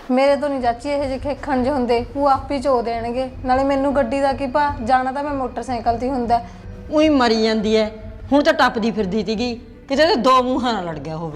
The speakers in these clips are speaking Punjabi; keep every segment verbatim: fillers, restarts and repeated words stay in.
ਮੇਰੇ ਤੋਂ ਨਹੀਂ ਚਾਚੀ ਇਹ ਜਿਹੇ ਖੇਖਣ ਜਿਹੇ ਹੁੰਦੇ, ਉਹ ਆਪ ਹੀ ਚੋ ਦੇਣਗੇ। ਨਾਲੇ ਮੈਨੂੰ ਗੱਡੀ ਦਾ ਕੀ ਭਾ, ਜਾਣਾ ਤਾਂ ਮੈਂ ਮੋਟਰਸਾਈਕਲ ਤੇ ਹੀ ਹੁੰਦਾ। ਉਹੀ ਮਰੀ ਜਾਂਦੀ ਐ, ਹੁਣ ਤਾਂ ਟੱਪਦੀ ਫਿਰਦੀ ਸੀਗੀ, ਕਿਤੇ ਤੇ ਦੋ ਮੂੰਹਾਂ ਨਾਲ ਲੜ ਗਿਆ ਹੋਵੇ।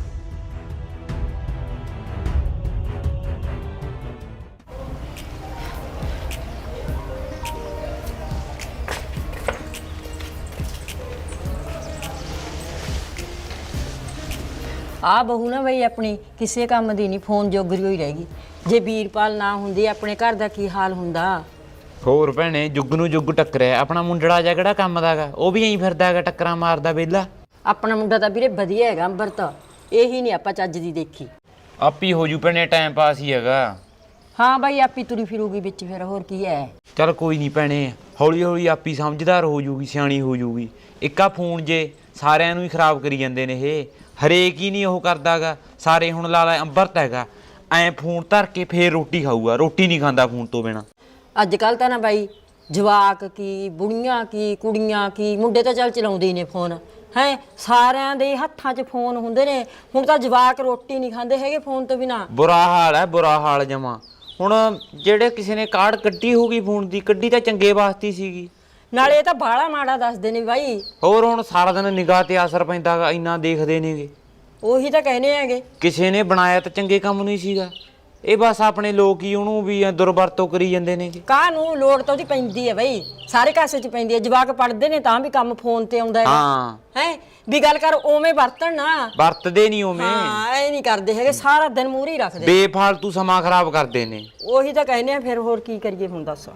ਆ ਬਹੂ ਨਾ ਬਈ ਆਪਣੀ ਕਿਸੇ ਕੰਮ ਦੀ ਨਹੀਂ, ਫੋਨ ਜੋਗਰੀ ਹੋਈ ਰਹੇਗੀ। ਜੇ ਵੀਰਪਾਲ ਨਾ ਹੁੰਦੀ ਆਪਣੇ ਘਰ ਦਾ ਕੀ ਹਾਲ ਹੁੰਦਾ। ਹੋਰ ਭੈਣੇ, ਜੁੱਗ ਨੂੰ ਜੁੱਗ ਟੱਕਰਿਆ। ਆਪਣਾ ਮੁੰਡੜਾ ਜਿਹਾ ਕਿਹੜਾ ਕੰਮ ਦਾ ਗਾ, ਉਹ ਵੀ ਐਂ ਫਿਰਦਾ ਹੈਗਾ, ਟੱਕਰਾਂ ਮਾਰਦਾ ਵਿਹਲਾ। ਆਪਣਾ ਮੁੰਡਾ ਤਾਂ ਵੀਰੇ ਵਧੀਆ ਹੈਗਾ ਅੰਬਰਤ, ਇਹੀ ਨਹੀਂ ਆਪਾਂ ਚੱਜ ਦੀ ਦੇਖੀ। ਆਪੀ ਹੋ ਜੂ ਭੈਣੇ, ਟਾਈਮ ਪਾਸ ਹੀ ਹੈਗਾ। ਹਾਂ ਬਾਈ ਆਪੀ ਤੁਰੀ ਫਿਰੂਗੀ ਵਿੱਚ, ਫਿਰ ਹੋਰ ਕੀ ਹੈ। ਚੱਲ ਕੋਈ ਨਹੀਂ ਭੈਣੇ, ਹੌਲੀ ਹੌਲੀ ਆਪੀ ਸਮਝਦਾਰ ਹੋ ਜੂਗੀ, ਸਿਆਣੀ ਹੋ ਜੂਗੀ। ਇੱਕਾ ਫੋਨ ਜੇ ਸਾਰਿਆਂ ਨੂੰ ਹੀ ਖਰਾਬ ਕਰੀ ਜਾਂਦੇ ਨੇ ਇਹ, ਹਰੇਕ ਹੀ ਨਹੀਂ ਉਹ ਕਰਦਾ ਗਾ। ਸਾਰੇ ਹੁਣ ਲਾ ਲਾ ਅੰਬਰਤ ਹੈਗਾ, ਐਂ ਫੋਨ ਧਰ ਕੇ ਫੇਰ ਰੋਟੀ ਖਾਊਗਾ, ਰੋਟੀ ਨਹੀਂ ਖਾਂਦਾ ਫੋਨ ਤੋਂ ਬਿਨਾਂ। ਅੱਜ ਕੱਲ੍ਹ ਤਾਂ ਨਾ ਬਾਈ ਜਵਾਕ ਕੀ, ਬੁੜੀਆਂ ਕੀ, ਕੁੜੀਆਂ ਕੀ, ਮੁੰਡੇ ਤਾਂ ਚੱਲ ਚਲਾਉਂਦੇ ਹੀ ਨੇ ਫੋਨ ਹੈ, ਸਾਰਿਆਂ ਦੇ ਹੱਥਾਂ 'ਚ ਫੋਨ ਹੁੰਦੇ ਨੇ। ਹੁਣ ਤਾਂ ਜਵਾਕ ਰੋਟੀ ਨਹੀਂ ਖਾਂਦੇ ਹੈਗੇ ਫੋਨ ਤੋਂ ਬਿਨਾਂ। ਬੁਰਾ ਹਾਲ ਹੈ, ਬੁਰਾ ਹਾਲ ਜਮਾ। ਹੁਣ ਜਿਹੜੇ ਕਿਸੇ ਨੇ ਕਾਰਡ ਕੱਢੀ ਹੋਊਗੀ ਫੋਨ ਦੀ, ਕੱਢੀ ਤਾਂ ਚੰਗੇ ਵਾਸਤੇ ਸੀਗੀ। ਨਾਲੇ ਇਹ ਤਾਂ ਬਾਹਲਾ ਮਾੜਾ ਦੱਸਦੇ ਨੇ ਬਾਈ। ਹੋਰ ਹੁਣ ਸਾਰਾ ਦਿਨ ਨਿਗਾਹ ਤੇ ਅਸਰ ਪੈਂਦਾ ਗਾ, ਇੰਨਾ ਦੇਖਦੇ ਨੇਗੇ। ਉਹੀ ਤਾਂ ਕਹਿੰਦੇ ਹੈਗੇ, ਕਿਸੇ ਨੇ ਬਣਾਇਆ ਤਾਂ ਚੰਗੇ ਕੰਮ ਨੂੰ ਹੀ ਸੀਗਾ। ਇਹ ਬਸ ਆਪਣੇ ਲੋਕ ਹੀ ਉਹਨੂੰ ਵੀ ਦੁਰਵਰਤੋਂ ਕਰੀ ਜਾਂਦੇ ਨੇਗੇ। ਕਾਹ ਨੂੰ ਲੋੜ ਤਾਂ ਉਹਦੀ ਪੈਂਦੀ ਹੈ ਬਈ, ਸਾਰੇ ਕਾਸੇ 'ਚ ਪੈਂਦੀ ਹੈ। ਜਵਾਕ ਪੜ੍ਹਦੇ ਨੇ ਤਾਂ ਵੀ ਕੰਮ ਫੋਨ ਤੇ ਆਉਂਦਾ ਹੈ। ਹਾਂ ਹੈ ਵੀ ਗੱਲ ਕਰ, ਉਵੇਂ ਵਰਤਣ ਨਾ, ਵਰਤਦੇ ਨਹੀਂ ਉਵੇਂ। ਹਾਂ ਇਹ ਨਹੀਂ ਕਰਦੇ ਹੈਗੇ, ਸਾਰਾ ਦਿਨ ਮੂਹਰੇ ਹੀ ਰੱਖਦੇ, ਬੇਫਾਲਤੂ ਸਮਾਂ ਖਰਾਬ ਕਰਦੇ ਨੇ। ਉਹੀ ਤਾਂ ਕਹਿੰਦੇ ਆ, ਫਿਰ ਹੋਰ ਕੀ ਕਰੀਏ ਹੁਣ ਦੱਸ।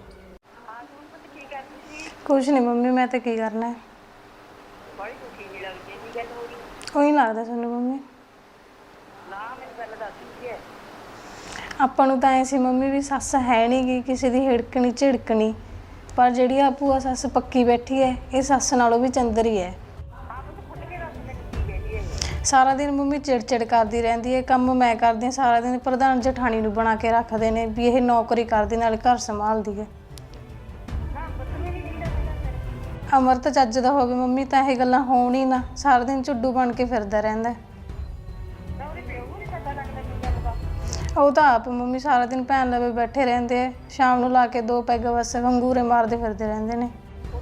ਕੁਛ ਨਹੀਂ ਮੰਮੀ, ਮੈਂ ਤਾਂ ਕੀ ਕਰਨਾ ਹੈ। ਉਹੀ ਲੱਗਦਾ ਤੁਹਾਨੂੰ ਮੰਮੀ? ਆਪਾਂ ਨੂੰ ਤਾਂ ਐ ਸੀ ਮੰਮੀ ਵੀ ਸੱਸ ਹੈ ਨਹੀਂ ਗੀ ਕਿਸੇ ਦੀ ਹਿੜਕਣੀ ਝਿੜਕਣੀ, ਪਰ ਜਿਹੜੀ ਆ ਭੂਆ ਸੱਸ ਪੱਕੀ ਬੈਠੀ ਹੈ, ਇਹ ਸੱਸ ਨਾਲੋਂ ਵੀ ਚੰਦਰ ਹੀ ਹੈ। ਸਾਰਾ ਦਿਨ ਮੰਮੀ ਚਿੜਚਿੜ ਕਰਦੀ ਰਹਿੰਦੀ ਹੈ। ਕੰਮ ਮੈਂ ਕਰਦੀ ਹਾਂ ਸਾਰਾ ਦਿਨ, ਪ੍ਰਧਾਨ ਜਠਾਣੀ ਨੂੰ ਬਣਾ ਕੇ ਰੱਖਦੇ ਨੇ ਵੀ ਇਹ ਨੌਕਰੀ ਕਰਦੀ ਨਾਲ ਘਰ ਸੰਭਾਲਦੀ ਹੈ। ਅਮਰਤ ਚੱਜ ਦਾ ਹੋਵੇ ਮੰਮੀ ਤਾਂ ਇਹ ਗੱਲਾਂ ਹੋਣ ਹੀ ਨਾ, ਸਾਰਾ ਦਿਨ ਝੁੱਡੂ ਬਣ ਕੇ ਫਿਰਦਾ ਰਹਿੰਦਾ। ਉਹ ਤਾਂ ਆਪ ਮੰਮੀ ਸਾਰਾ ਦਿਨ ਭੈਣ ਲਵੇ ਬੈਠੇ ਰਹਿੰਦੇ ਆ, ਸ਼ਾਮ ਨੂੰ ਲਾ ਕੇ ਦੋ ਪੈਗ ਬਸ ਵੰਗੂਰੇ ਮਾਰਦੇ ਫਿਰਦੇ ਰਹਿੰਦੇ ਨੇ।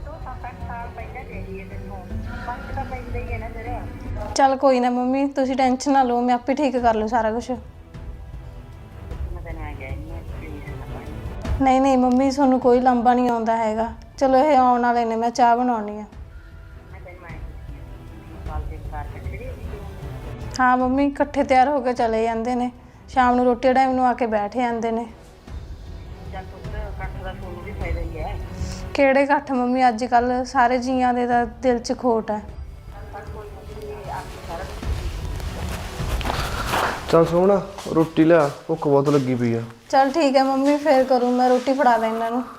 ਚੱਲ ਕੋਈ ਨਾ ਮੰਮੀ, ਤੁਸੀਂ ਟੈਨਸ਼ਨ ਨਾ ਲਓ, ਮੈਂ ਆਪੇ ਠੀਕ ਕਰ ਲੂ ਸਾਰਾ ਕੁਛ। ਨਹੀਂ ਨਹੀਂ ਮੰਮੀ, ਤੁਹਾਨੂੰ ਕੋਈ ਲੰਬਾ ਨਹੀਂ ਆਉਂਦਾ ਹੈਗਾ। ਚਲੋ ਇਹ ਆਉਣ ਵਾਲੇ ਨੇ, ਮੈਂ ਚਾਹ ਬਣਾਉਣੀ ਆ। ਹਾਂ ਮੰਮੀ, ਇਕੱਠੇ ਤਿਆਰ ਹੋ ਕੇ ਚਲੇ ਜਾਂਦੇ ਨੇ, ਸ਼ਾਮ ਨੂੰ ਰੋਟੀ ਟਾਈਮ ਨੂੰ ਆ ਕੇ ਬੈਠ ਜਾਂਦੇ ਨੇ। ਕਿਹੜੇ ਇਕੱਠ ਮੰਮੀ, ਅੱਜ ਕੱਲ ਸਾਰੇ ਜੀਆਂ ਦੇ ਤਾਂ ਦਿਲ 'ਚ ਖੋਟ ਹੈ। ਚੱਲ ਸੋਹਣਾ ਰੋਟੀ ਲਿਆ, ਭੁੱਖ ਬਹੁਤ ਲੱਗੀ ਪਈ ਆ। ਚੱਲ ਠੀਕ ਹੈ ਮੰਮੀ, ਫੇਰ ਕਰੂੰ ਮੈਂ, ਰੋਟੀ ਫੜਾ ਦਾਂ ਇਹਨਾਂ ਨੂੰ।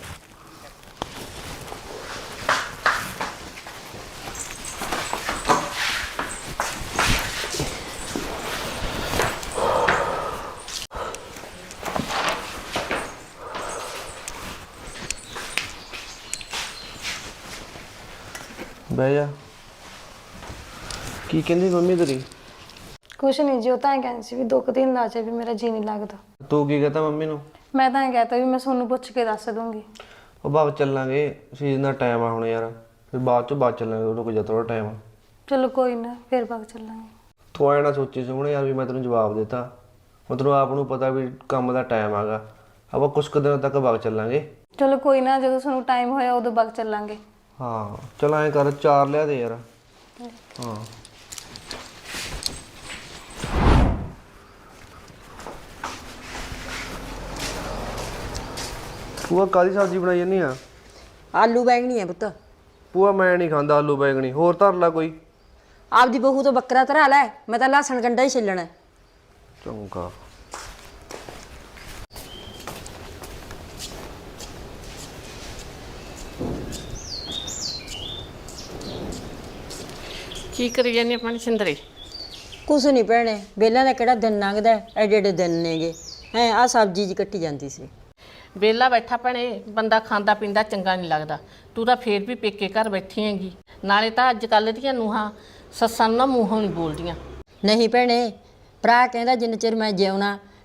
ਬਹਿ ਜਾ। ਕੀ ਕਹਿੰਦੀ ਮੰਮੀ ਤੇਰੀ? ਕੁਛ ਨਹੀਂ ਜੀ, ਉਹ ਤਾਂ ਐਂ ਕਹਿੰਦੀ ਸੀ ਵੀ ਦੋ ਕੁ ਦਿਨ ਲਾ ਜਾ, ਵੀ ਮੇਰਾ ਜੀ ਨਹੀਂ ਲੱਗਦਾ। ਤੂੰ ਕੀ ਕਹਤਾ ਮੰਮੀ ਨੂੰ? ਮੈਂ ਤਾਂ ਐਂ ਕਹਿਤਾ ਵੀ ਮੈਂ ਤੁਹਾਨੂੰ ਪੁੱਛ ਕੇ ਦੱਸ ਦੂੰਗੀ। ਉਹ ਬਾਅਦ ਚੱਲਾਂਗੇ, ਸੀਜ਼ਨ ਦਾ ਟਾਈਮ ਆ ਹੁਣ ਯਾਰ, ਫਿਰ ਬਾਅਦ ਚੋਂ ਬਾਅਦ ਚੱਲਾਂਗੇ, ਰੁਕ ਜਾ ਥੋੜਾ ਟਾਈਮ। ਚਲੋ ਕੋਈ ਨਾ, ਫਿਰ ਬਾਅਦ ਚੱਲਾਂਗੇ। ਤੂੰ ਐਂ ਨਾ ਸੋਚੀ ਸੋਹਣੇ ਯਾਰ ਵੀ ਮੈਂ ਤੈਨੂੰ ਜਵਾਬ ਦਿੱਤਾ, ਮਤਲਬ ਆਪ ਨੂੰ ਪਤਾ ਵੀ ਕੰਮ ਦਾ ਟਾਈਮ ਆਗਾ, ਆਪਾਂ ਕੁਛ ਕੁ ਦਿਨਾਂ ਤੱਕ ਬਾਅਦ ਚੱਲਾਂਗੇ। ਚਲੋ ਕੋਈ ਨਾ, ਜਦੋਂ ਤੁਹਾਨੂੰ ਟਾਈਮ ਹੋਇਆ ਉਦੋਂ ਬਾਅਦ ਚੱਲਾਂਗੇ। ਹਾਂ ਚਲ ਐਂ ਕਰ, ਚਾਰ ਲਿਆ ਦੇ ਯਾਰ। ਹਾਂ ਭੂਆ ਕਾਹਦੀ ਸਬਜ਼ੀ ਬਣਾਈ ਜਾਂਦੀ ਆ? ਆਲੂ ਬੈਂਗਣੀ ਹੈ ਪੁੱਤ। ਭੂਆ ਮੈਂ ਨਹੀਂ ਖਾਂਦਾ ਆਲੂ ਬੈਂਗਣੀ, ਹੋਰ ਧਰ ਲਾ ਕੋਈ। ਆਪਦੀ ਬਹੂ ਤੋਂ ਬੱਕਰਾ ਧਰਾ ਲੈ, ਮੈਂ ਤਾਂ ਲਸਣ ਗੰਢਾ ਹੀ ਛਿੱਲਣਾ। ਚੰਗਾ। ਕੀ ਕਰੀ ਜਾਂਦੀ ਆਪਣੀ ਸਿੰਦਰੀ? ਕੁਛ ਨਹੀਂ ਭੈਣੇ, ਵਿਹਲਾ ਦਾ ਕਿਹੜਾ ਦਿਨ ਲੰਘਦਾ, ਐਡੇ ਐਡੇ ਦਿਨ ਨੇਗੇ। ਹੈ ਆਹ ਸਬਜ਼ੀ ਜੀ ਕੱਟੀ ਜਾਂਦੀ ਸੀ। ਵਿਹਲਾ ਬੈਠਾ ਭੈਣੇ, ਬੰਦਾ ਖਾਂਦਾ ਪੀਂਦਾ ਚੰਗਾ ਨਹੀਂ ਲੱਗਦਾ। ਤੂੰ ਤਾਂ ਫੇਰ ਵੀ ਪੇਕੇ ਘਰ ਬੈਠੀ ਹੈਗੀ। ਨਾਲੇ ਤਾਂ ਅੱਜ ਕੱਲ੍ਹ ਦੀਆਂ ਨੂੰਹਾਂ ਸੱਸਾਂ ਨੂੰ ਨਾ ਮੂੰਹੋਂ ਨਹੀਂ ਬੋਲਦੀਆਂ। ਨਹੀਂ ਭੈਣੇ, ਭਰਾ ਕਹਿੰਦਾ ਜਿੰਨੇ ਚਿਰ ਮੈਂ ਜਿਉਣਾ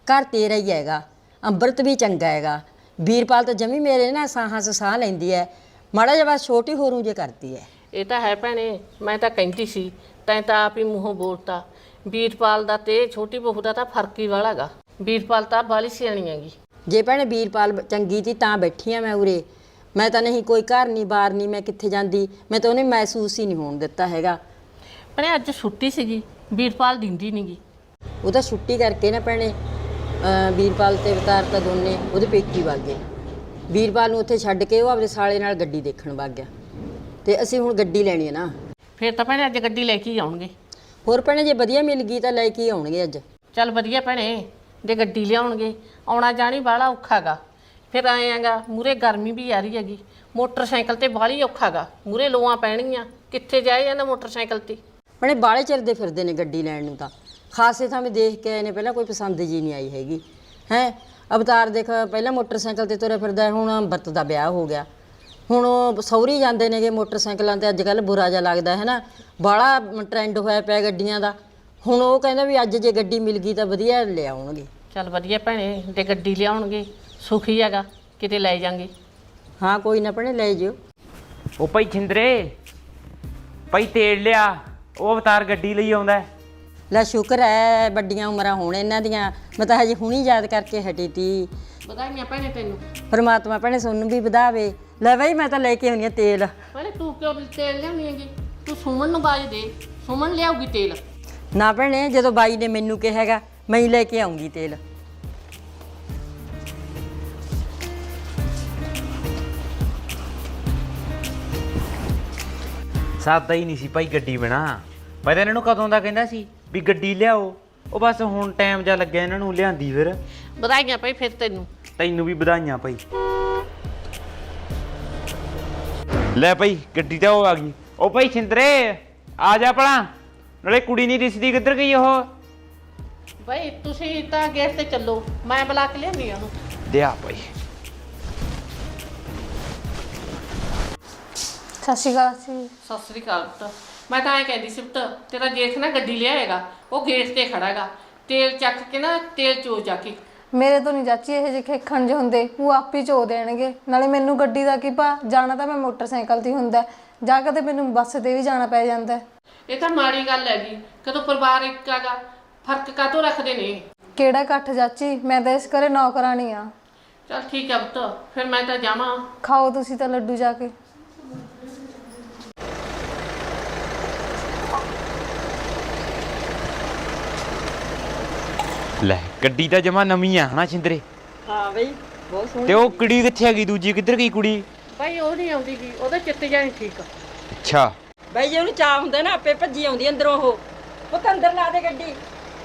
ਘਰ ਤੇਰਾ ਹੀ ਹੈਗਾ, ਅੰਮ੍ਰਿਤ ਵੀ ਚੰਗਾ ਹੈਗਾ। ਵੀਰਪਾਲ ਤਾਂ ਜਮੀ ਮੇਰੇ ਨਾ ਸਾਹਾਂ 'ਚ ਸਾਹ ਲੈਂਦੀ ਹੈ, ਮਾੜਾ ਜਿਹਾ ਬਸ ਛੋਟੀ ਹੋਰੂ ਜੇ ਕਰਦੀ ਹੈ। ਇਹ ਤਾਂ ਹੈ ਭੈਣੇ, ਮੈਂ ਤਾਂ ਕਹਿੰਦੀ ਸੀ, ਤੈਂ ਤਾਂ ਆਪ ਹੀ ਮੂੰਹੋਂ ਬੋਲਤਾ। ਵੀਰਪਾਲ ਦਾ ਤੇ ਛੋਟੀ ਬਹੂ ਦਾ ਤਾਂ ਫਰਕ ਹੀ ਵਾਲਾ ਗਾ। ਵੀਰਪਾਲ ਤਾਂ ਬਾਲੀ ਸਿਆਣੀ ਹੈਗੀ। ਜੇ ਭੈਣੇ ਵੀਰਪਾਲ ਚੰਗੀ ਸੀ ਤਾਂ ਬੈਠੀ ਆ ਮੈਂ ਉਰੇ, ਮੈਂ ਤਾਂ ਨਹੀਂ ਕੋਈ ਘਰ ਨਹੀਂ ਬਾਹਰ ਨਹੀਂ, ਮੈਂ ਕਿੱਥੇ ਜਾਂਦੀ, ਮੈਂ ਤਾਂ ਉਹਨੇ ਮਹਿਸੂਸ ਹੀ ਨਹੀਂ ਹੋਣ ਦਿੱਤਾ ਹੈਗਾ। ਭੈਣੇ ਅੱਜ ਛੁੱਟੀ ਸੀਗੀ, ਵੀਰਪਾਲ ਦਿੰਦੀ ਨੀ ਗੀ। ਉਹ ਤਾਂ ਛੁੱਟੀ ਕਰਕੇ ਨਾ ਭੈਣੇ ਅਹ ਵੀਰਪਾਲ ਤੇ ਅਵਤਾਰ ਤਾਂ ਦੋਨੇ ਉਹਦੇ ਪੇਕੀ ਵਗ ਗਏ। ਵੀਰਪਾਲ ਨੂੰ ਉੱਥੇ ਛੱਡ ਕੇ ਉਹ ਆਪਣੇ ਸਾਲੇ ਨਾਲ ਗੱਡੀ ਦੇਖਣ ਵਗ ਗਿਆ, ਤੇ ਅਸੀਂ ਹੁਣ ਗੱਡੀ ਲੈਣੀ ਹੈ ਨਾ। ਫਿਰ ਤਾਂ ਭੈਣੇ ਅੱਜ ਗੱਡੀ ਲੈ ਕੇ ਹੀ ਆਉਣਗੇ। ਹੋਰ ਭੈਣੇ ਜੇ ਵਧੀਆ ਮਿਲ ਗਈ ਤਾਂ ਲੈ ਕੇ ਹੀ ਆਉਣਗੇ ਅੱਜ। ਚੱਲ ਵਧੀਆ ਭੈਣੇ, ਜੇ ਗੱਡੀ ਲਿਆਉਣਗੇ, ਆਉਣਾ ਜਾਣੀ ਬਾਹਲਾ ਔਖਾ ਗਾ। ਫਿਰ ਆਏ ਆਂਗਾ ਮੂਰੇ ਗਰਮੀ ਵੀ ਆ ਰਹੀ ਹੈਗੀ, ਮੋਟਰਸਾਈਕਲ ਤੇ ਬਾਹਲੀ ਔਖਾ ਗਾ, ਮੂਰੇ ਲੋਆਂ ਪੈਣਗੀਆਂ, ਕਿੱਥੇ ਜਾਏ ਜਾਂਦਾ ਮੋਟਰਸਾਈਕਲ ਤੇ। ਭੈਣੇ ਬਾਹਲੇ ਚਿਰਦੇ ਫਿਰਦੇ ਨੇ ਗੱਡੀ ਲੈਣ ਨੂੰ, ਤਾਂ ਖਾਸੇ ਥਾਂ ਮੈਂ ਦੇਖ ਕੇ ਆਏ ਨੇ, ਪਹਿਲਾਂ ਕੋਈ ਪਸੰਦ ਜੀ ਨਹੀਂ ਆਈ ਹੈਗੀ ਹੈ। ਅਵਤਾਰ ਦੇਖ ਪਹਿਲਾਂ ਮੋਟਰਸਾਈਕਲ ਤੇ ਤੁਰਿਆ ਫਿਰਦਾ, ਹੁਣ ਅੰਮ੍ਰਿਤ ਦਾ ਵਿਆਹ ਹੋ ਗਿਆ, ਹੁਣ ਉਹ ਸਹੁਰੀ ਜਾਂਦੇ ਨੇਗੇ ਮੋਟਰਸਾਈਕਲਾਂ ਤੇ। ਅੱਜ ਕੱਲ੍ਹ ਬੁਰਾ ਜਿਹਾ ਲੱਗਦਾ ਹੈ ਨਾ, ਬਾਹਲਾ ਟਰੈਂਡ ਹੋਇਆ ਪਿਆ ਗੱਡੀਆਂ ਦਾ। ਹੁਣ ਉਹ ਕਹਿੰਦਾ ਵੀ ਅੱਜ ਜੇ ਗੱਡੀ ਮਿਲ ਗਈ ਤਾਂ ਵਧੀਆ ਲੈ ਆਉਣਗੇ। ਚੱਲ ਵਧੀਆ ਭੈਣੇ, ਜੇ ਗੱਡੀ ਲਿਆਉਣਗੇ ਸੁਖੀ ਹੈਗਾ, ਕਿਤੇ ਲੈ ਜਾਾਂਗੇ। ਹਾਂ ਕੋਈ ਨਾ ਭੈਣੇ ਲੈ ਜਿਓ। ਉਹ ਭਾਈ ਛਿੰਦਰੇ, ਭਾਈ ਤੇੜ ਲਿਆ, ਉਹ ਅਵਤਾਰ ਗੱਡੀ ਲਈ ਆਉਂਦਾ। ਲੈ ਸ਼ੁਕਰ ਹੈ ਵੱਡੀਆਂ ਉਮਰਾਂ ਹੋਣ ਇਹਨਾਂ ਦੀਆਂ, ਮੈਂ ਤਾਂ ਹਜੇ ਹੁਣੀ ਯਾਦ ਕਰਕੇ ਹਟੀ ਤੀ। ਵਧਾਈਆਂ ਭੈਣੇ ਤੈਨੂੰ। ਪਰਮਾਤਮਾ ਭੈਣੇ ਸੋਨੂੰ ਵੀ ਵਧਾਵੇ। ਲੈ ਬਈ ਮੈਂ ਤਾਂ ਲੈ ਕੇ ਆਉਣੀ ਆ ਤੇਲ। ਭੈਣੇ ਤੂੰ ਕਿਉਂ ਤੇਲ ਲਿਆਉਣੀ ਹੈਗੀ? ਤੂੰ ਸੁਮਨ ਨੂੰ ਬਾਜ ਦੇ, ਸੁਮਨ ਲਿਆਉਗੀ ਤੇਲ। ਨਾ ਭੈਣੇ ਜਦੋਂ ਬਾਈ ਨੇ ਮੈਨੂੰ ਕਿਹਾ ਹੈਗਾ ਮੈਂ ਹੀ ਲੈ ਕੇ ਆਉਂਗੀ ਤੇਲ। ਸਾਦਾ ਹੀ ਨਹੀਂ ਸੀ ਭਾਈ ਗੱਡੀ ਬਣਾ। ਮੈਂ ਤਾਂ ਇਹਨਾਂ ਨੂੰ ਕਦੋਂ ਦਾ ਕਹਿੰਦਾ ਸੀ ਵੀ ਗੱਡੀ ਲਿਆਓ, ਉਹ ਬਸ ਹੁਣ ਟਾਈਮ ਜਾ ਲੱਗਿਆ ਇਹਨਾਂ ਨੂੰ ਲਿਆਂਦੀ। ਫਿਰ ਵਧਾਈਆਂ ਭਾਈ ਫਿਰ ਤੈਨੂੰ। ਤੈਨੂੰ ਵੀ ਵਧਾਈਆਂ ਭਾਈ। ਲੈ ਭਾਈ ਗੱਡੀ ਤਾਂ ਉਹ ਆ ਗਈ। ਉਹ ਭਾਈ ਛਿੰਦਰੇ ਆ ਜਾ ਭਲਾ, ਨਾਲੇ ਕੁੜੀ ਨਹੀਂ ਦਿਸਦੀ, ਕਿੱਧਰ ਗਈ ਉਹ? ਭਾਈ ਤੁਸੀਂ ਤਾਂ ਗੇਟ ਤੇ ਚੱਲੋ, ਮੈਂ ਬੁਲਾ ਕੇ ਲਿਆਉਂਦੀ ਆ ਉਹਨੂੰ। ਦਿਆ ਭਾਈ। ਸਤਿ ਸ਼੍ਰੀ ਅਕਾਲ ਜੀ। ਸਤਿ ਸ੍ਰੀ ਅਕਾਲ ਪੁੱਤ। ਮੈਂ ਤਾਂ ਐਂ ਕਹਿੰਦੀ ਸੀ ਪੁੱਤ, ਤੇਰਾ ਜੇਠ ਨਾ ਗੱਡੀ ਲਿਆਏਗਾ, ਉਹ ਗੇਟ ਤੇ ਖੜਾ ਹੈਗਾ, ਤੇਲ ਚੱਕ ਕੇ ਨਾ ਤੇਲ ਚੋ ਜਾ ਕੇ। ਮੇਰੇ ਤੋਂ ਨਹੀਂ ਚਾਚੀ ਇਹ ਜਿਹੇ ਖੇਖਣ ਜਿਹੇ ਹੁੰਦੇ, ਉਹ ਆਪ ਹੀ ਚੋ ਦੇਣਗੇ। ਨਾਲੇ ਮੈਨੂੰ ਗੱਡੀ ਦਾ ਕੀ ਭਾ, ਜਾਣਾ ਤਾਂ ਮੈਂ ਮੋਟਰਸਾਈਕਲ ਤੇ ਹੁੰਦਾ, ਜਾ ਕੇ ਤੇ ਮੈਨੂੰ ਬੱਸ ਤੇ ਵੀ ਜਾਣਾ ਪੈ ਜਾਂਦਾ। ਇਹ ਤਾਂ ਮਾੜੀ ਗੱਲ ਹੈਗੀ, ਕਦੋਂ ਪਰਿਵਾਰ ਇੱਕ ਹੈਗਾ, ਫਰਕ ਕਾਹਤੋਂ ਰੱਖਦੇ ਨੇ? ਕਿਹੜਾ ਇਕੱਠ ਚਾਚੀ, ਮੈਂ ਤਾਂ ਇਸ ਘਰੇ ਨੌਕਰਾਣੀ ਆ। ਚਲ ਠੀਕ ਹੈ ਪੁੱਤ, ਫਿਰ ਮੈਂ ਤਾਂ ਜਾਵਾਂ। ਖਾਓ ਤੁਸੀਂ ਤਾਂ ਲੱਡੂ ਜਾ ਕੇ। ਲੈ ਗੱਡੀ ਤਾਂ ਜਮਾ ਨਵੀਂ ਆ ਹਨਾ ਛਿੰਦਰੇ? ਹਾਂ ਬਈ ਬਹੁਤ ਸੋਹਣੀ। ਤੇ ਉਹ ਕੁੜੀ ਕਿੱਥੇ ਹੈਗੀ ਦੂਜੀ, ਕਿੱਧਰ ਗਈ ਕੁੜੀ? ਭਾਈ ਉਹ ਨਹੀਂ ਆਉਂਦੀ ਗੀ, ਉਹਦਾ ਚਿੱਤ ਜਾਣੀ ਠੀਕ ਆ। ਅੱਛਾ ਬਈ ਜੇ ਉਹਨੂੰ ਚਾਹ ਹੁੰਦਾ ਨਾ ਆਪੇ ਭੱਜੀ ਆਉਂਦੀ ਅੰਦਰੋਂ। ਉਹ ਪੁੱਤ ਅੰਦਰ ਲਾ ਦੇ ਗੱਡੀ।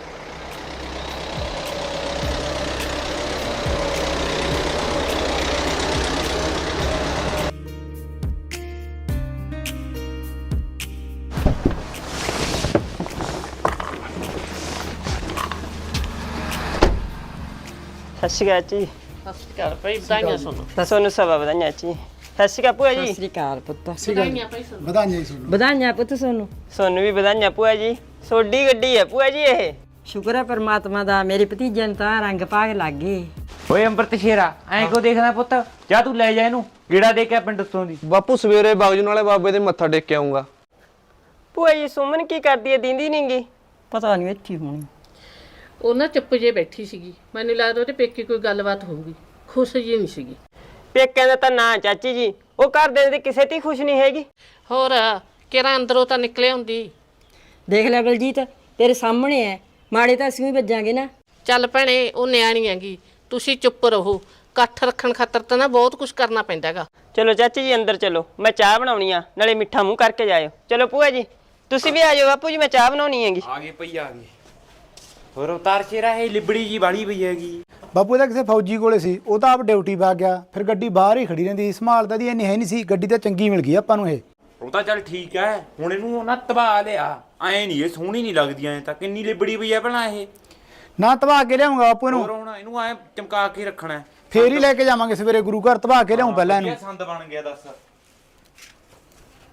ਸਤਿ ਸ਼੍ਰੀ ਅਕਾਲ ਜੀ। ਸਤਿ ਸ਼੍ਰੀ ਅਕਾਲ ਭਾਈ, ਵਧਾਈਆਂ ਸੁਣੋ। ਤੁਹਾਨੂੰ ਸਭਾ ਵਧਾਈਆਂ ਜੀ। ਸਤਿ ਸ਼੍ਰੀ ਅਕਾਲ ਭੂਆ ਸਤਿ ਜੀ। ਸ੍ਰੀ ਅਕਾਲ ਪੁੱਤ। ਵਧਾਈਆਂ ਭਾਈ ਸੁਣੋ। ਵਧਾਈਆਂ ਪੁੱਤ ਸੋਨੂੰ। ਤੁਹਾਨੂੰ ਵੀ ਵਧਾਈਆਂ ਭੂਆ ਜੀ। ਸੋਡੀ ਗੱਡੀ ਹੈ ਭੂਆ ਜੀ ਇਹ। ਸ਼ੁਕਰ ਹੈ ਪਰਮਾਤਮਾ ਦਾ, ਮੇਰੇ ਭਤੀਜੇ ਨੂੰ ਤਾਂ ਰੰਗ ਭਾਗ ਲੱਗ ਗਏ। ਓਏ ਅੰਮ੍ਰਿਤ ਸ਼ੇਰਾ, ਐਂ ਕਿਉਂ ਦੇਖਦਾ ਪੁੱਤ? ਜਾ ਤੂੰ ਲੈ ਜਾ ਇਹਨੂੰ, ਗੇੜਾ ਦੇ ਕੇ ਆ ਪਿੰਡ ਉੱਤੋਂ ਦੀ। ਬਾਪੂ ਸਵੇਰੇ ਬਾਗਜੂ ਨਾਲੇ ਬਾਬੇ ਦੇ ਮੱਥਾ ਟੇਕ ਕੇ ਆਉਂਗਾ। ਭੂਆ ਜੀ ਸੁਮਨ ਕੀ ਕਰਦੀ ਹੈ, ਦਿੰਦੀ ਨੀ ਗੀ? ਪਤਾ ਨਹੀਂ ਇੱਥੇ ਹੋਣੀ। ਉਹ ਨਾ ਚੁੱਪ ਜੇ ਬੈਠੀ ਸੀਗੀ, ਮੈਨੂੰ ਲੱਗਦਾ ਉਹਦੇ ਪੇਕੇ ਕੋਈ ਗੱਲਬਾਤ ਹੋਊਗੀ, ਖੁਸ਼ ਜੀ ਨਹੀਂ ਸੀਗੀ। ਪੇਕਿਆਂ ਦਾ ਤਾਂ ਨਾ ਚਾਚੀ ਜੀ, ਉਹ ਘਰ ਦੇ ਤੇ ਕਿਸੇ ਤੇ ਖੁਸ਼ ਨਹੀਂ ਹੈਗੀ। ਹੋਰ ਕਿਹੜਾ ਅੰਦਰੋਂ ਤਾਂ ਨਿਕਲੇ ਹੁੰਦੀ। ਦੇਖ ਲੈ ਬਲਜੀਤ, ਤੇਰੇ ਸਾਹਮਣੇ ਐ, ਮਾੜੇ ਤਾਂ ਅਸੀਂ ਵੀ ਵੱਜਾਂਗੇ ਨਾ। ਚੱਲ ਭੈਣੇ, ਉਹ ਨਿਆਣੀ ਹੈਗੀ, ਤੁਸੀਂ ਚੁੱਪ ਰਹੋ। ਇਕੱਠ ਰੱਖਣ ਖਾਤਰ ਤਾਂ ਨਾ ਬਹੁਤ ਕੁਝ ਕਰਨਾ ਪੈਂਦਾ ਹੈਗਾ। ਚਲੋ ਚਾਚੀ ਜੀ ਅੰਦਰ ਚਲੋ, ਮੈਂ ਚਾਹ ਬਣਾਉਣੀ ਆ, ਨਾਲੇ ਮਿੱਠਾ ਮੂੰਹ ਕਰਕੇ ਜਾਇਓ। ਚਲੋ ਭੂਆ ਜੀ ਤੁਸੀਂ ਵੀ ਆ ਜਾਓ। ਬਾਪੂ ਜੀ ਮੈਂ ਚਾਹ ਬਣਾਉਣੀ ਹੈਗੀ। ਆ ਗਏ ਭਈ, ਆ ਗਏ। ਹੋਰ ਅਵਤਾਰ ਸ਼ੇਰਾ ਇਹ ਲਿਬੜੀ ਜੀ ਬਾੜੀ ਪਈ ਹੈਗੀ। ਬਾਪੂ ਇਹਦਾ ਕਿਸੇ ਫੌਜੀ ਕੋਲੇ ਸੀ, ਉਹ ਤਾਂ ਆਪ ਡਿਊਟੀ ਵਗ ਗਿਆ, ਫਿਰ ਗੱਡੀ ਬਾਹਰ ਹੀ ਖੜੀ ਰਹਿੰਦੀ, ਸੰਭਾਲਦਾ ਦੀ ਇੰਨੀ ਹੈ ਨਹੀਂ ਸੀ। ਗੱਡੀ ਤਾਂ ਚੰਗੀ ਮਿਲ ਗਈ ਆਪਾਂ ਨੂੰ ਇਹ। ਉਹ ਤਾਂ ਚੱਲ ਠੀਕ ਐ, ਹੁਣ ਇਹਨੂੰ ਨਾ ਤਬਾ ਲਿਆ। ਐ ਨਹੀਂ ਇਹ ਸੋਹਣੀ ਨਹੀਂ ਲੱਗਦੀ, ਐ ਤਾਂ ਕਿੰਨੀ ਲਿਬੜੀ ਪਈ ਐ ਭਲਾ ਇਹ। ਨਾ ਧਵਾ ਕੇ ਲਿਆਉਂਗਾ ਬਾਪੂ ਹੋਰ ਇਹਨੂੰ, ਹੁਣ ਇਹਨੂੰ ਐ ਚਮਕਾ ਕੇ ਰੱਖਣਾ, ਫੇਰ ਹੀ ਲੈ ਕੇ ਜਾਵਾਂਗੇ ਸਵੇਰੇ ਗੁਰੂ ਘਰ। ਧਵਾ ਕੇ ਲਿਆਉਂ ਪਹਿਲਾਂ ਇਹਨੂੰ। ਸੰਦ ਬਣ ਗਿਆ ਦੱਸ।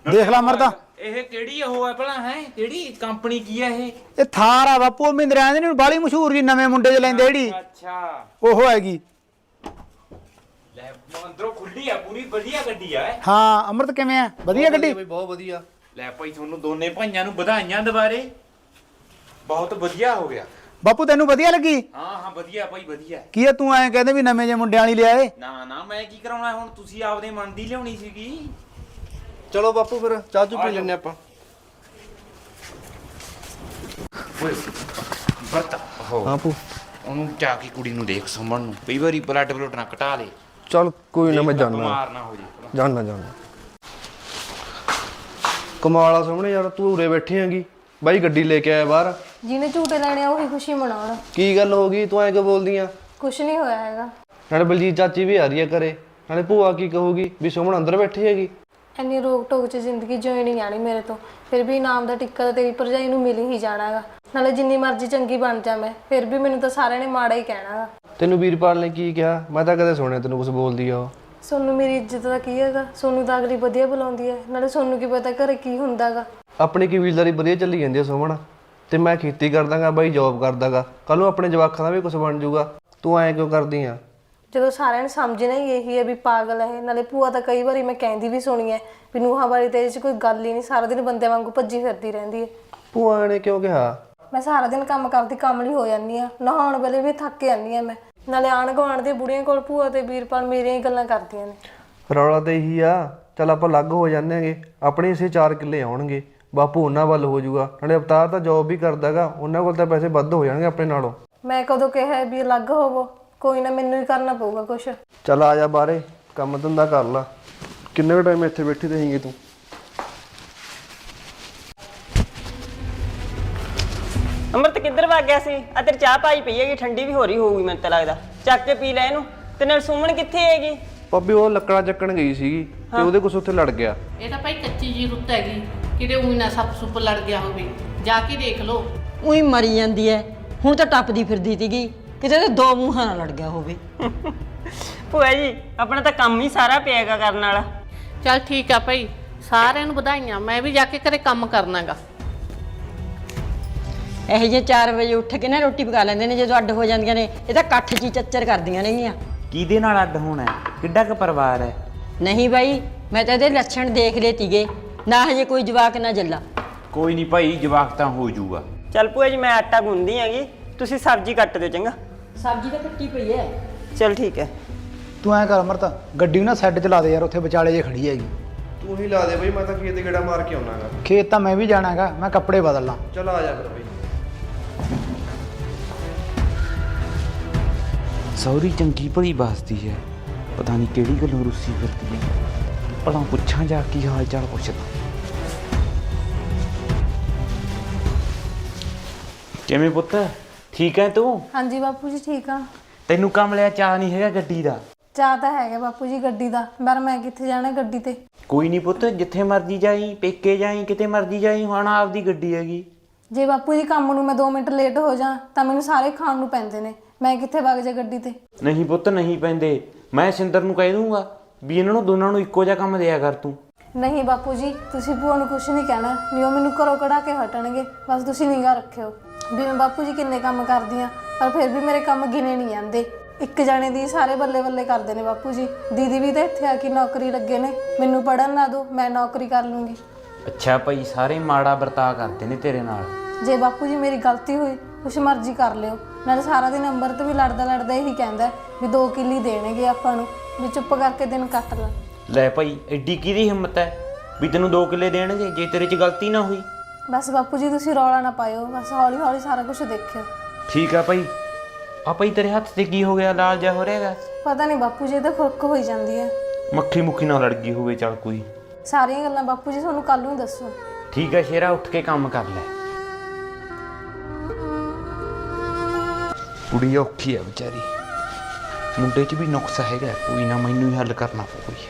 ਦੇਖ ਲੈ ਅਮਰਤਾ ਇਹ ਕਿਹੜੀ ਉਹ ਹੈ ਭਲਾ ਹੈ ਕਿਹੜੀ ਕੰਪਨੀ ਕੀ ਹੈ ਇਹ ਇਹ ਥਾਰ ਆ ਬਾਪੂ ਮਹਿੰਦਰਾ ਦੇ ਨੂੰ ਬਾਲੀ ਮਸ਼ਹੂਰ ਜੀ ਨਵੇਂ ਮੁੰਡੇ ਚ ਲੈਂਦੇ ਜਿਹੜੀ ਅੱਛਾ ਉਹ ਹੈਗੀ ਲੈ ਅੰਦਰੋਂ ਖੁੱਲੀ ਆ ਪੂਰੀ ਵਧੀਆ ਗੱਡੀ ਆ ਇਹ। ਹਾਂ ਅਮਰਤ ਕਿਵੇਂ ਆ ਵਧੀਆ ਗੱਡੀ ਬਈ ਬਹੁਤ ਵਧੀਆ। ਲੈ ਭਾਈ ਤੁਹਾਨੂੰ ਦੋਨੇ ਭਾਈਆਂ ਨੂੰ ਵਧਾਈਆਂ ਦੁਬਾਰੇ ਬਹੁਤ ਵਧੀਆ ਹੋ ਗਿਆ। ਬਾਪੂ ਤੈਨੂੰ ਵਧੀਆ ਲੱਗੀ ਹਾਂ ਹਾਂ ਵਧੀਆ ਭਾਈ ਵਧੀਆ। ਕੀ ਆ ਤੂੰ ਐਂ ਕਹਿੰਦੇ ਵੀ ਨਵੇਂ ਜੇ ਮੁੰਡਿਆਂ ਵਾਲੀ ਲਿਆਏ ਨਾ ਨਾ ਮੈਂ ਕੀ ਕਰਾਉਣਾ ਹੁਣ ਤੁਸੀਂ ਆਪਦੇ ਮਨ ਦੀ ਲਿਆਉਣੀ ਸੀਗੀ। ਚਲੋ ਬਾਪੂ ਫਿਰ ਚਾਹ ਚੂ ਪੀ ਲੈਣੇ ਆਪਾਂ। ਓਏ ਬਰਤਾ ਹੋ ਬਾਪੂ ਉਹਨੂੰ ਜਾ ਕੇ ਕੁੜੀ ਨੂੰ ਦੇਖ ਸੁਮਣ ਨੂੰ ਕਈ ਵਾਰੀ ਬਲੱਡ ਬਲੱਡ ਨਾ ਘਟਾ ਲੇ। ਚਲ ਕੋਈ ਨਾ ਮੈਂ ਜਾਣਾ ਬਿਮਾਰ ਨਾ ਹੋ ਜੇ। ਜਾਣਾ ਜਾਣਾ ਕਮਾਲ ਆ ਸਾਹਮਣੇ ਯਾਰ ਤੂੰ ਉਰੇ ਬੈਠੀ ਹੈਗੀ ਬਾਈ ਗੱਡੀ ਲੈ ਕੇ ਆਇਆ ਬਾਹਰ। ਜਿਹਨੇ ਝੂਟੇ ਲੈਣੇ ਆ ਉਹੀ ਖੁਸ਼ੀ ਮਨਾਉਣ। ਕੀ ਗੱਲ ਹੋ ਗਈ ਤੂੰ ਐਂ ਕਿਉਂ ਬੋਲਦੀ ਆ? ਕੁਛ ਨਹੀਂ ਹੋਇਆ ਹੈਗਾ। ਨਾਲੇ ਬਲਜੀਤ ਚਾਚੀ ਵੀ ਆ ਰਹੀ ਹੈ ਘਰੇ ਨਾਲੇ ਭੂਆ ਕੀ ਕਹੂਗੀ ਵੀ ਸੁਮਨ ਅੰਦਰ ਬੈਠੀ ਹੈਗੀ। ਇੰਨੀ ਰੋਕ ਟੋਕ 'ਚ ਜ਼ਿੰਦਗੀ ਜਿਉਣੀ ਨਹੀਂ ਜਾਣੀ ਮੇਰੇ ਤੋਂ। ਫਿਰ ਵੀ ਇਨਾਮ ਦਾ ਟਿੱਕਾ ਤਾਂ ਤੇਰੀ ਭਰਜਾਈ ਨੂੰ ਮਿਲ ਹੀ ਜਾਣਾ ਹੈਗਾ। ਨਾਲੇ ਜਿੰਨੀ ਮਰਜ਼ੀ ਚੰਗੀ ਬਣ ਜਾ ਮੈਂ ਫਿਰ ਵੀ ਮੈਨੂੰ ਤਾਂ ਸਾਰਿਆਂ ਨੇ ਮਾੜਾ ਹੀ ਕਹਿਣਾ ਹੈਗਾ। ਤੈਨੂੰ ਵੀਰਪਾਲ ਨੇ ਕੀ ਕਿਹਾ? ਮੈਂ ਤਾਂ ਕਦੇ ਸੁਣਿਆ ਤੈਨੂੰ ਕੁਝ ਬੋਲਦੀ ਆ ਉਹ। ਸੋਨੂੰ ਮੇਰੀ ਇੱਜ਼ਤ ਦਾ ਕੀ ਹੈਗਾ? ਸੋਨੂੰ ਤਾਂ ਅਗਲੀ ਵਧੀਆ ਬੁਲਾਉਂਦੀ ਹੈ। ਨਾਲੇ ਸੋਨੂੰ ਕੀ ਪਤਾ ਘਰੇ ਕੀ ਹੁੰਦਾ ਗਾ। ਆਪਣੀ ਕਬੀਲਦਾਰੀ ਵਧੀਆ ਚੱਲੀ ਜਾਂਦੀ ਆ ਸੁਮਨ ਤੇ ਮੈਂ ਖੇਤੀ ਕਰਦਾਗਾ ਬਾਈ ਜੌਬ ਕਰਦਾਗਾ। ਕੱਲ ਨੂੰ ਆਪਣੇ ਜਵਾਕਾਂ ਦਾ ਵੀ ਕੁਝ ਬਣ ਜਾਊਗਾ। ਤੂੰ ਐਂ ਕਿਉਂ ਕਰਦੀ ਆ? ਜਦੋਂ ਸਾਰਿਆਂ ਨੇ ਸਮਝਣਾ ਹੀ ਇਹੀ ਹੈ ਵੀ ਪਾਗਲ ਹੈ। ਨਾਲੇ ਭੂਆ ਤਾਂ ਕਈ ਵਾਰੀ ਮੈਂ ਕਹਿੰਦੀ ਵੀ ਸੁਣੀ ਹੈ ਵੀ ਨੂੰਹਾਂ ਵਾਲੀ ਤੇਰੇ 'ਚ ਕੋਈ ਗੱਲ ਹੀ ਨਹੀਂ। ਸਾਰਾ ਦਿਨ ਬੰਦੇ ਵਾਂਗੂ ਭੱਜੀ ਫਿਰਦੀ ਰਹਿੰਦੀ ਹੈ। ਭੂਆ ਨੇ ਕਿਉਂ ਕਿਹਾ? ਮੈਂ ਸਾਰਾ ਦਿਨ ਕੰਮ ਕਰਦੀ ਕਾਮਲੀ ਹੋ ਜਾਂਦੀ ਆ। ਨਹਾਉਣ ਵੇਲੇ ਵੀ ਥੱਕ ਜਾਂਦੀ ਆ ਮੈਂ। ਨਾਲੇ ਆਣ ਗੁਆਂਢ ਦੇ ਬੁੜੀਆਂ ਕੋਲ ਭੂਆ ਤੇ ਵੀਰਪਾਲ ਮੇਰੀਆਂ ਹੀ ਗੱਲਾਂ ਕਰਦੀਆਂ ਨੇ। ਰੌਲਾ ਤਾਂ ਇਹੀ ਆ। ਚੱਲ ਆਪਾਂ ਅਲੱਗ ਹੋ ਜਾਂਦੇ ਆਂਗੇ। ਆਪਣੇ ਇਸੇ ਚਾਰ ਕਿੱਲੇ ਆਉਣਗੇ। ਬਾਪੂ ਉਹਨਾਂ ਵੱਲ ਹੋ ਜਾਊਗਾ। ਨਾਲੇ ਅਵਤਾਰ ਤਾਂ ਜੌਬ ਵੀ ਕਰਦਾਗਾ। ਉਹਨਾਂ ਕੋਲ ਤਾਂ ਪੈਸੇ ਵੱਧ ਹੋ ਜਾਣਗੇ ਆਪਣੇ ਨਾਲੋਂ। ਮੈਂ ਕਦੋਂ ਕਿਹਾ ਵੀ ਅਲੱਗ ਹੋਵੋ? ਕੋਈ ਨਾ ਮੈਨੂੰ ਹੀ ਕਰਨਾ ਪਊਗਾ ਕੁਛ। ਚੱਲ ਆ ਜਾ ਬਾਹਰੇ ਕੰਮ ਧੰਦਾ ਕਰ ਲਾ। ਕਿੰਨੇ ਕੁ ਟਾਈਮ ਇੱਥੇ ਬੈਠੀ ਰਹੇਂਗੀ ਤੂੰ? ਅੰਮ੍ਰਿਤ ਕਿੱਧਰ ਵਗ ਗਿਆ ਸੀ? ਆ ਤੇਰੀ ਚਾਹ ਪਾਈ ਪਈ ਹੈਗੀ ਠੰਡੀ ਵੀ ਹੋ ਰਹੀ ਹੋਊਗੀ ਮੈਨੂੰ ਤਾਂ ਲੱਗਦਾ। ਚੱਕ ਕੇ ਪੀ ਲੈ ਇਹਨੂੰ। ਤੇ ਨਾਲ ਸੁਮਨ ਕਿੱਥੇ ਹੈਗੀ? ਭਾਬੀ ਉਹ ਲੱਕੜਾਂ ਚੱਕਣ ਗਈ ਸੀਗੀ ਤੇ ਉਹਦੇ ਕੁਛ ਉੱਥੇ ਲੜ ਗਿਆ। ਇਹ ਤਾਂ ਭਾਈ ਕੱਚੀ ਜੀ ਰੁੱਤ ਹੈਗੀ ਕਿਤੇ ਉਹੀ ਨਾ ਸੱਪ ਸੁੱਪ ਲੜ ਗਿਆ ਹੋਵੇ। ਜਾ ਕੇ ਦੇਖ ਲਓ। ਉਹੀ ਮਰੀ ਜਾਂਦੀ ਐ। ਹੁਣ ਤਾਂ ਟੱਪਦੀ ਫਿਰਦੀ ਸੀਗੀ ਕਿਤੇ ਤੇ ਦੋ ਮੂੰਹਾਂ ਨਾਲ ਲੜ ਗਿਆ ਹੋਵੇ। ਭੂਆ ਜੀ ਆਪਣਾ ਤਾਂ ਕੰਮ ਹੀ ਸਾਰਾ ਪਿਆਗਾ ਕਰਨ ਵਾਲਾ। ਚੱਲ ਠੀਕ ਆ ਭਾਈ ਸਾਰਿਆਂ ਨੂੰ ਵਧਾਈਆਂ। ਮੈਂ ਵੀ ਜਾ ਕੇ ਘਰੇ ਕੰਮ ਕਰਨਾਗਾ। ਇਹੋ ਜਿਹੇ ਚਾਰ ਵਜੇ ਉੱਠ ਕੇ ਨਾ ਰੋਟੀ ਪਕਾ ਲੈਂਦੇ ਨੇ। ਜਦੋਂ ਅੱਡ ਹੋ ਜਾਂਦੀਆਂ ਨੇ ਇਹ ਤਾਂ ਇਕੱਠ 'ਚ ਹੀ ਚੱਚਰ ਕਰਦੀਆਂ ਨੇਗੀਆਂ। ਕਿਹਦੇ ਨਾਲ ਅੱਡ ਹੋਣਾ ਹੈ? ਕਿੱਡਾ ਕੁ ਪਰਿਵਾਰ ਹੈ? ਨਹੀਂ ਬਾਈ ਮੈਂ ਤਾਂ ਇਹਦੇ ਲੱਛਣ ਦੇਖ ਲਏ ਤੀਗੇ। ਨਾ ਹਜੇ ਕੋਈ ਜਵਾਕ ਨਾ ਜੱਲਾ। ਕੋਈ ਨਹੀਂ ਭਾਈ ਜਵਾਕ ਤਾਂ ਹੋ ਜਾਊਗਾ। ਚੱਲ ਭੂਆ ਜੀ ਮੈਂ ਆਟਾ ਗੁੰਨਦੀ ਹੈਗੀ ਤੁਸੀਂ ਸਬਜ਼ੀ ਕੱਟ ਦਿਓ ਚੰਗਾ। ਸਬਜ਼ੀ ਤਾਂ ਕੱਟੀ ਪਈ ਐ। ਚੱਲ ਠੀਕ ਹੈ। ਤੂੰ ਐਂ ਕਰ ਅਮਰਤ ਗੱਡੀ ਨੂੰ ਨਾ ਸਾਈਡ 'ਚ ਲਾ ਦੇ ਯਾਰ। ਉੱਥੇ ਵਿਚਾਲੇ ਜੇ ਖੜੀ ਹੈਗੀ। ਤੂੰ ਹੀ ਲਾ ਦੇ ਬਈ ਮੈਂ ਤਾਂ ਖੇਤ ਗੇੜਾ ਮਾਰ ਕੇ ਆਉਣਾਗਾ। ਖੇਤ ਤਾਂ ਮੈਂ ਵੀ ਜਾਣਾਗਾ। ਮੈਂ ਕੱਪੜੇ ਬਦਲ ਲਾਂ। ਚੱਲ ਆ ਜਾ ਫਿਰ ਬਈ। ਸੌਰੀ ਚੰਗੀ ਭਲੀ ਬਸਦੀ ਹੈ। ਪਤਾ ਨਹੀਂ ਕਿਹੜੀ ਗੱਲੋਂ ਰੁੱਸੀ ਫਿਰਦੀ ਹੈ। ਭਲਾ ਪੁੱਛਾਂ ਜਾ ਕੀ ਹਾਲ ਚਾਲ ਪੁੱਛਦਾ। ਕਿਵੇਂ ਪੁੱਤ ਠੀਕ ਹੈ ਤੂੰ? ਹਾਂਜੀ ਬਾਪੂ ਜੀ ਠੀਕ ਆ। ਤੈਨੂੰ ਕੰਮ ਲਿਆ ਚਾਹ ਨਹੀਂ ਹੈਗਾ ਗੱਡੀ ਦਾ? ਚਾਹ ਤਾਂ ਹੈਗਾ ਬਾਪੂ ਜੀ ਗੱਡੀ ਦਾ। ਪਰ ਮੈਂ ਕਿੱਥੇ ਜਾਣਾ ਗੱਡੀ ਤੇ? ਕੋਈ ਨਹੀਂ ਪੁੱਤ ਜਿੱਥੇ ਮਰਜ਼ੀ ਜਾਈ ਪੇਕੇ ਜਾਈ ਕਿਤੇ ਮਰਜ਼ੀ ਜਾਈ ਹੁਣ ਆਪਦੀ ਗੱਡੀ ਹੈਗੀ। ਜੇ ਬਾਪੂ ਜੀ ਕੰਮ ਨੂੰ ਮੈਂ ਦੋ ਮਿੰਟ ਲੇਟ ਹੋ ਜਾ ਤਾਂ ਮੈਨੂੰ ਸਾਰੇ ਖਾਣ ਨੂੰ ਪੈਂਦੇ ਨੇ। ਮੈਂ ਕਿੱਥੇ ਵਗ ਜਾ ਗੱਡੀ ਤੇ? ਨਹੀਂ ਪੁੱਤ ਨਹੀਂ ਪੈਂਦੇ। ਮੈਂ ਸਿੰਦਰ ਨੂੰ ਕਹਿ ਦੂੰਗਾ ਵੀ ਇਹਨਾਂ ਨੂੰ ਦੋਨਾਂ ਨੂੰ ਇੱਕੋ ਜਿਹਾ ਕੰਮ ਦਿਆ ਕਰ ਤੂੰ। ਨਹੀਂ ਬਾਪੂ ਜੀ ਤੁਸੀਂ ਭੂਆ ਨੂੰ ਕੁਛ ਨਹੀਂ ਕਹਿਣਾ। ਨਹੀਂ ਉਹ ਮੈਨੂੰ ਘਰੋਂ ਕਢਾ ਕੇ ਹਟਣਗੇ। ਬਸ ਤੁਸੀਂ ਨਿਗਾਹ ਰੱਖਿਓ ਵੀ ਮੈਂ ਬਾਪੂ ਜੀ ਕਿੰਨੇ ਕੰਮ ਕਰਦੀ ਆ। ਪਰ ਫਿਰ ਵੀ ਮੇਰੇ ਕੰਮ ਗਿਣੇ ਨਹੀਂ ਜਾਂਦੇ। ਇੱਕ ਜਾਣੇ ਦੀ ਸਾਰੇ ਬੱਲੇ ਬੱਲੇ ਕਰਦੇ ਨੇ ਬਾਪੂ ਜੀ। ਦੀਦੀ ਵੀ ਤਾਂ ਇੱਥੇ ਆ ਕੇ ਨੌਕਰੀ ਲੱਗੇ ਨੇ। ਮੈਨੂੰ ਪੜਨ ਨਾ ਦਿਓ ਮੈਂ ਨੌਕਰੀ ਕਰ ਲੂੰਗੀ। ਅੱਛਾ ਭਾਈ ਸਾਰੇ ਮਾੜਾ ਵਰਤਾਅ ਕਰਦੇ ਨੇ ਤੇਰੇ ਨਾਲ। ਜੇ ਬਾਪੂ ਜੀ ਮੇਰੀ ਗਲਤੀ ਹੋਈ ਕੁਛ ਮਰਜ਼ੀ ਕਰ ਲਿਓ। ਨਾਲੇ ਸਾਰਾ ਦਿਨ ਅੰਮ੍ਰਿਤ ਵੀ ਲੜਦਾ ਲੜਦਾ ਇਹੀ ਕਹਿੰਦਾ ਵੀ ਦੋ ਕਿੱਲੀ ਦੇਣਗੇ ਆਪਾਂ ਨੂੰ ਵੀ ਚੁੱਪ ਕਰਕੇ ਦਿਨ ਕੱਟ ਲਾ। ਲੈ ਭਾਈ ਐਡੀ ਕਿਹਦੀ ਹਿੰਮਤ ਹੈ ਵੀ ਤੈਨੂੰ ਦੋ ਕਿੱਲੇ ਦੇਣਗੇ ਜੇ ਤੇਰੇ 'ਚ ਗਲਤੀ ਨਾ ਹੋਈ? ਬਸ ਬਾਪੂ ਜੀ ਤੁਸੀਂ ਰੌਲਾ ਨਾ ਪਾਇਓ। ਬਸ ਹੌਲੀ ਹੌਲੀ ਸਾਰਾ ਕੁਝ ਦੇਖਿਓ। ਠੀਕ ਆ ਭਾਈ। ਆ ਭਾਈ ਤੇਰੇ ਹੱਥ ਤੇ ਕੀ ਹੋ ਗਿਆ? ਲਾਲ ਜਿਹਾ ਹੋ ਰਿਹਾਗਾ। ਪਤਾ ਨਹੀਂ ਬਾਪੂ ਜੀ ਤਾਂ ਖੁਰਕ ਹੋਈ ਜਾਂਦੀ ਹੈ। ਮੱਖੀ ਮੁੱਖੀ ਨਾਲ ਲੜ ਗਈ ਹੋਵੇ ਚੱਲ ਕੋਈ। ਸਾਰੀਆਂ ਗੱਲਾਂ ਬਾਪੂ ਜੀ ਤੁਹਾਨੂੰ ਕੱਲ ਨੂੰ ਦੱਸੋ। ਠੀਕ ਆ ਸ਼ੇਰਾ ਉੱਠ ਕੇ ਕੰਮ ਕਰ ਲੈ। ਕੁੜੀ ਔਖੀ ਆ ਵਿਚਾਰੀ। ਮੁੰਡੇ 'ਚ ਵੀ ਨੁਕਸ ਹੈਗਾ ਕੋਈ ਨਾ ਮੈਨੂੰ ਹੀ ਹੱਲ ਕਰਨਾ ਪਊ ਕੋਈ।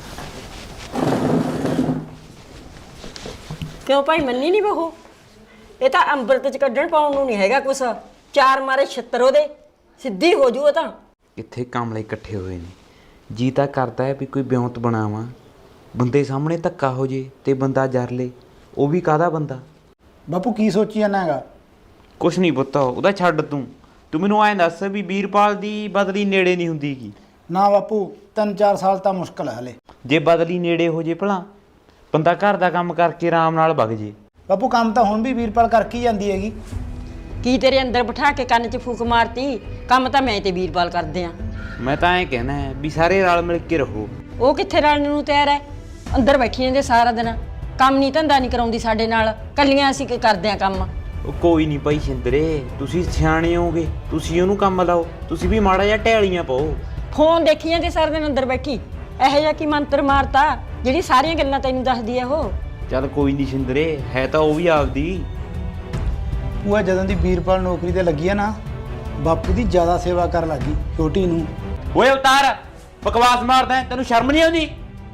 ਕਿਉਂ ਭਾਈ ਮੰਨੀ ਨਹੀਂ ਬਹੂ? ਇਹ ਤਾਂ ਅੰਮ੍ਰਿਤ ਚ ਕੱਢਣ ਪਾਉਣ ਨੂੰ ਨਹੀਂ ਹੈਗਾ ਕੁਛ। ਚਾਰ ਮਾਰੇ ਛਿੱਤਰ ਉਹਦੇ, ਸਿੱਧੀ ਹੋ ਜੂ ਉਹ ਤਾਂ। ਇੱਥੇ ਕਾਮਲੇ ਇਕੱਠੇ ਹੋਏ ਨੇ, ਜੀ ਤਾਂ ਕਰਦਾ ਹੈ ਵੀ ਕੋਈ ਬਿਉਂਤ ਬਣਾਵਾਂ, ਬੰਦੇ ਸਾਹਮਣੇ ਧੱਕਾ ਹੋ ਜੇ ਤੇ ਬੰਦਾ ਜਰ ਲੇ, ਉਹ ਵੀ ਕਾਹਦਾ ਬੰਦਾ। ਬਾਪੂ ਕੀ ਸੋਚੀ ਜਾਂਦਾ ਹੈਗਾ? ਕੁਛ ਨਹੀਂ ਪੁੱਤ, ਉਹਦਾ ਛੱਡ ਤੂੰ ਤੂੰ ਮੈਨੂੰ ਐਂ ਦੱਸ ਵੀ ਵੀਰਪਾਲ ਦੀ ਬਦਲੀ ਨੇੜੇ ਨਹੀਂ ਹੁੰਦੀ ਕੀ? ਨਾ ਬਾਪੂ, ਤਿੰਨ ਚਾਰ ਸਾਲ ਤਾਂ ਮੁਸ਼ਕਲ ਹੈ ਹਲੇ। ਜੇ ਬਦਲੀ ਨੇੜੇ ਹੋ ਜੇ ਭਲਾ, ਬੰਦਾ ਘਰ ਦਾ ਕੰਮ ਕਰਕੇ ਆਰਾਮ ਨਾਲ ਵਗ ਜੇ। ਬਾਪੂ ਕੰਮ ਤਾਂ ਹੁਣ ਵੀ ਵੀਰਪਾਲ ਕਰਕੇ ਹੀ ਜਾਂਦੀ ਹੈਗੀ। ਕੀ ਤੇਰੇ ਅੰਦਰ ਬਿਠਾ ਕੇ ਕੰਨ 'ਚ ਫੂਕ ਮਾਰਤੀ? ਕੰਮ ਤਾਂ ਮੈਂ ਤੇ ਵੀਰਪਾਲ ਕਰਦੇ ਆ। ਮੈਂ ਤਾਂ ਐਂ ਕਹਿਣਾ ਹੈ ਵੀ ਸਾਰੇ ਰਲ ਮਿਲ ਕੇ ਰਹੋ। ਉਹ ਕਿੱਥੇ ਰਲਣ ਨੂੰ ਤਿਆਰ ਹੈ? ਅੰਦਰ ਬੈਠੀ ਰਹਿੰਦੇ ਸਾਰਾ ਦਿਨ, ਕੰਮ ਨਹੀਂ ਧੰਦਾ ਨਹੀਂ ਕਰਾਉਂਦੀ ਸਾਡੇ ਨਾਲ, ਕੱਲੀਆਂ ਅਸੀਂ ਕੀ ਕਰਦੇ ਆ ਕੰਮ। ਉਹ ਕੋਈ ਨਹੀਂ ਭਾਈ ਸ਼ਿੰਦਰੇ, ਤੁਸੀਂ ਸਿਆਣੇ ਹੋਗੇ, ਤੁਸੀਂ ਉਹਨੂੰ ਕੰਮ ਲਾਓ, ਤੁਸੀਂ ਵੀ ਮਾੜਾ ਜਿਹਾ ਢੈਲੀਆਂ ਪਾਓ। ਫੋਨ ਦੇਖੀ ਜਾਂਦੇ ਸਾਰਾ ਦਿਨ ਅੰਦਰ ਬੈਠੀ, ਇਹੋ ਜਿਹਾ ਕੀ ਮੰਤਰ ਮਾਰਤਾ ਜਿਹੜੀ ਸਾਰੀਆਂ ਗੱਲਾਂ ਤੈਨੂੰ ਦੱਸਦੀ ਆ ਉਹ? ਚੱਲ ਕੋਈ ਨਹੀਂ ਸ਼ਿੰਦਰੇ, ਹੈ ਤਾਂ ਉਹ ਵੀ ਆਪਦੀ। ਉਹ ਜਦੋਂ ਦੀ ਵੀਰਪਾਲ ਨੌਕਰੀ ਤੇ ਲੱਗੀ ਆ ਨਾ, ਬਾਪੂ ਦੀ ਜ਼ਿਆਦਾ ਸੇਵਾ ਕਰਨ ਲੱਗੀ ਛੋਟੀ ਨੂੰ। ਓਏ ਅਵਤਾਰ, ਬਕਵਾਸ ਮਾਰਦਾ, ਤੈਨੂੰ ਸ਼ਰਮ ਨਹੀਂ ਆਉਂਦੀ?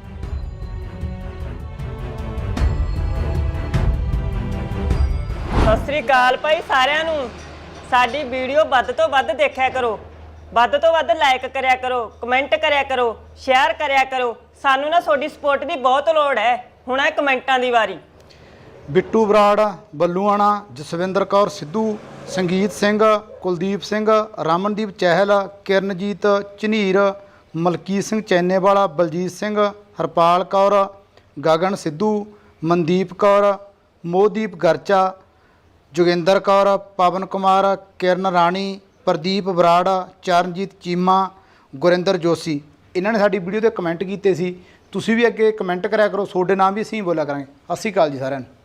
ਸਤਿ ਸ੍ਰੀ ਅਕਾਲ ਭਾਈ ਸਾਰਿਆਂ ਨੂੰ। ਸਾਡੀ ਵੀਡੀਓ ਵੱਧ ਤੋਂ ਵੱਧ ਦੇਖਿਆ ਕਰੋ, ਵੱਧ ਤੋਂ ਵੱਧ ਲਾਈਕ ਕਰਿਆ ਕਰੋ, ਕਮੈਂਟ ਕਰਿਆ ਕਰੋ, ਸ਼ੇਅਰ ਕਰਿਆ ਕਰੋ। ਸਾਨੂੰ ਨਾ ਤੁਹਾਡੀ ਸਪੋਰਟ ਦੀ ਬਹੁਤ ਲੋੜ ਹੈ। ਹੁਣ ਹੈ ਕਮੈਂਟਾਂ ਦੀ ਵਾਰੀ। ਬਿੱਟੂ ਬਰਾੜ, ਬੱਲੂਆਣਾ, ਜਸਵਿੰਦਰ ਕੌਰ ਸਿੱਧੂ, ਸੰਗੀਤ ਸਿੰਘ, ਕੁਲਦੀਪ ਸਿੰਘ, ਰਮਨਦੀਪ ਚਹਿਲ, ਕਿਰਨਜੀਤ ਝਨੀਰ, ਮਲਕੀਤ ਸਿੰਘ ਚੈਨੇਵਾਲਾ, ਬਲਜੀਤ ਸਿੰਘ, ਹਰਪਾਲ ਕੌਰ, ਗਗਨ ਸਿੱਧੂ, ਮਨਦੀਪ ਕੌਰ, ਮੋਹਦੀਪ ਗਰਚਾ, ਜੋਗਿੰਦਰ ਕੌਰ, ਪਵਨ ਕੁਮਾਰ, ਕਿਰਨ ਰਾਣੀ, ਪ੍ਰਦੀਪ ਬਰਾੜ, ਚਰਨਜੀਤ ਚੀਮਾ, ਗੁਰਿੰਦਰ ਜੋਸ਼ੀ। ਇਹਨਾਂ ਨੇ ਸਾਡੀ ਵੀਡੀਓ ਤੇ ਕਮੈਂਟ ਕੀਤੇ ਸੀ। ਤੁਸੀਂ ਵੀ ਅੱਗੇ ਕਮੈਂਟ ਕਰਿਆ ਕਰੋ, ਤੁਹਾਡੇ ਨਾਮ ਵੀ ਅਸੀਂ ਬੋਲਿਆ ਕਰਾਂਗੇ। ਸਤਿ ਸ਼੍ਰੀ ਅਕਾਲ ਜੀ ਸਾਰਿਆਂ ਨੂੰ।